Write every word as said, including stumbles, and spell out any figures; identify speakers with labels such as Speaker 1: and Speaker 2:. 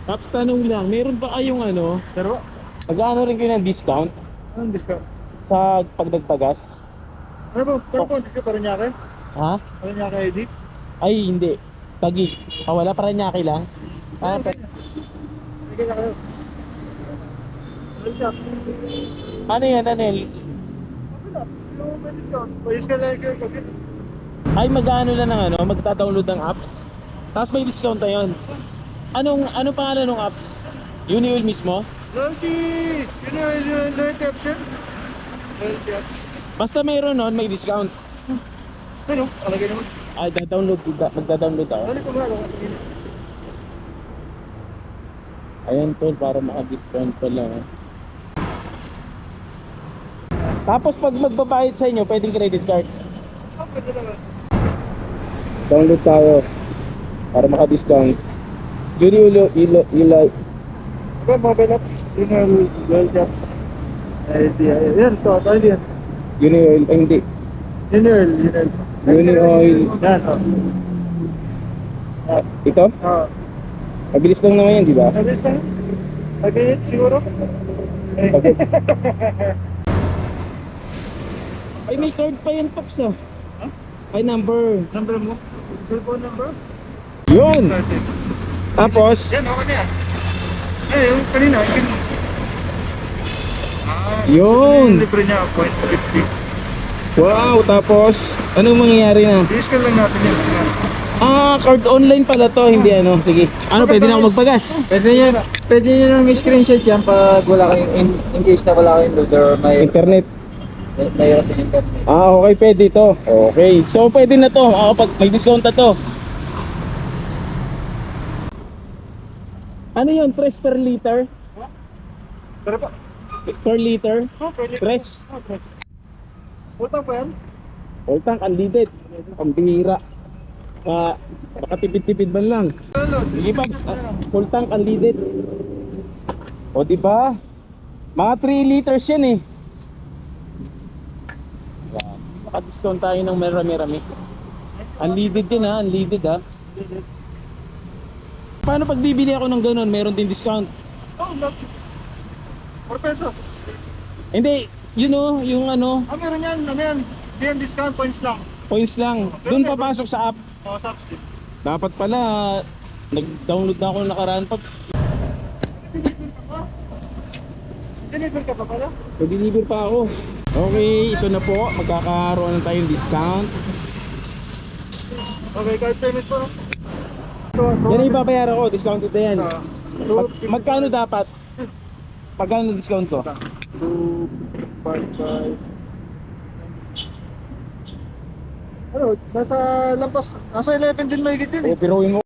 Speaker 1: Tapos tanong lang, meron ba kayong ano,
Speaker 2: Pero,
Speaker 1: mag-ano rin kayo ng discount
Speaker 2: anong discount?
Speaker 1: sa pagdagpagas?
Speaker 2: Ano ba? Pero po, discount pa rin niya akin?
Speaker 1: Ha?
Speaker 2: Ano niya kay Edith?
Speaker 1: Ay, hindi. Tagig. Ah, wala, Paranaque lang. Ah,
Speaker 2: Ano
Speaker 1: pa
Speaker 2: Sige na kayo. Well, shop.
Speaker 1: ano yan, ano yan?
Speaker 2: Wala. Yung may discount. Payos ka lang kayo kapit.
Speaker 1: Ay, mag-ano lang ng ano, magta-download ng apps. Tapos may discount na yun. Anong, ano pangalan ng apps? Unioil mismo?
Speaker 2: Loyalty! Yun yung yung loyalty option? Loyalty apps.
Speaker 1: Basta mayroon nun, may discount.
Speaker 2: Ano? Kalagay naman.
Speaker 1: Ay, da-download, da- magda-download ako.
Speaker 2: Ano ko nga ako sa gina?
Speaker 1: Ayan tol, para maka-discount pala. eh. Tapos pag magbabayad sa inyo, pwedeng credit card.
Speaker 2: Ah, pwede naman.
Speaker 1: Download tayo para maka-discount. Unioil, ilo, ilo,
Speaker 2: Ito, mobile apps. Yun yung loyalty apps. Ay, di. Yan, ito. Ito, hindi yan.
Speaker 1: Unioil, ay hindi.
Speaker 2: Yun yun, yun yun.
Speaker 1: Unioil.
Speaker 2: Yan, oh.
Speaker 1: Ah, ito?
Speaker 2: Ah.
Speaker 1: Mabilis lang naman yan, di ba?
Speaker 2: Mabilis lang. Mabilis siguro. Eh.
Speaker 1: Pag- Ay, may card pa yan, Pops ah.
Speaker 2: Huh?
Speaker 1: Ay, number.
Speaker 2: Number mo? Cellphone number?
Speaker 1: Yun!
Speaker 2: Started.
Speaker 1: Tapos,
Speaker 2: Yan, okay na yan. Eh, yung kanina, yung kanina. Ah,
Speaker 1: Yun.
Speaker 2: yung libre niya, points fifty.
Speaker 1: wow, tapos, anong mangyayari na?
Speaker 2: I-scan lang natin yan.
Speaker 1: Ah, card online pala to, hindi ano. Sige. Ano, pwede na ako magpagas?
Speaker 3: Pwede nyo, pwede nyo nang screenshot yan pag wala kayong, in, in case na wala kayong loader or may,
Speaker 1: Internet.
Speaker 3: may, mayroon yung internet.
Speaker 1: Ah, okay, pwede to. Okay. So, pwede na to. Ah, pag may discount na to. Ano yun? Press per liter?
Speaker 2: Pero pa.
Speaker 1: Per liter?
Speaker 2: Oh, pwede.
Speaker 1: Press.
Speaker 2: Oh, press. Utang pa yan?
Speaker 1: Full tank, unleaded. Ang bihira. Ah, baka tipid-tipid man lang.
Speaker 2: Ano?
Speaker 1: Sige, Pags. Ah, full tank, unleaded. O, diba? Mga three liters yan eh. Yan. Maka-discount tayo ng marami-rami. Unleaded din ha, unleaded ha. Paano pag bibili ako ng ganun, meron din discount?
Speaker 2: Oh, not. four pesos.
Speaker 1: Hindi, yun o, yung ano,
Speaker 2: Ah, meron yan. Ano yan? Hindi yan discount points lang.
Speaker 1: points lang. Doon papasok sa app.
Speaker 2: Oh, subs din.
Speaker 1: Dapat pala, nag-download na ako ng nakaraan pa.
Speaker 2: Deliver ka pa pala?
Speaker 1: Nag-deliver pa ako. Okay, ito na po. Magkakaroon na tayong discount.
Speaker 2: Okay, card payment po. Ito,
Speaker 1: Yan ang ibabayaran ko, discounted na yan.
Speaker 2: Ah,
Speaker 1: Mag- magkano dapat? Magkano discount ko?
Speaker 2: two, five, five. Ano, nasa lampas, nasa eleven din may gitin
Speaker 1: O,
Speaker 2: eh.
Speaker 1: piruin mo.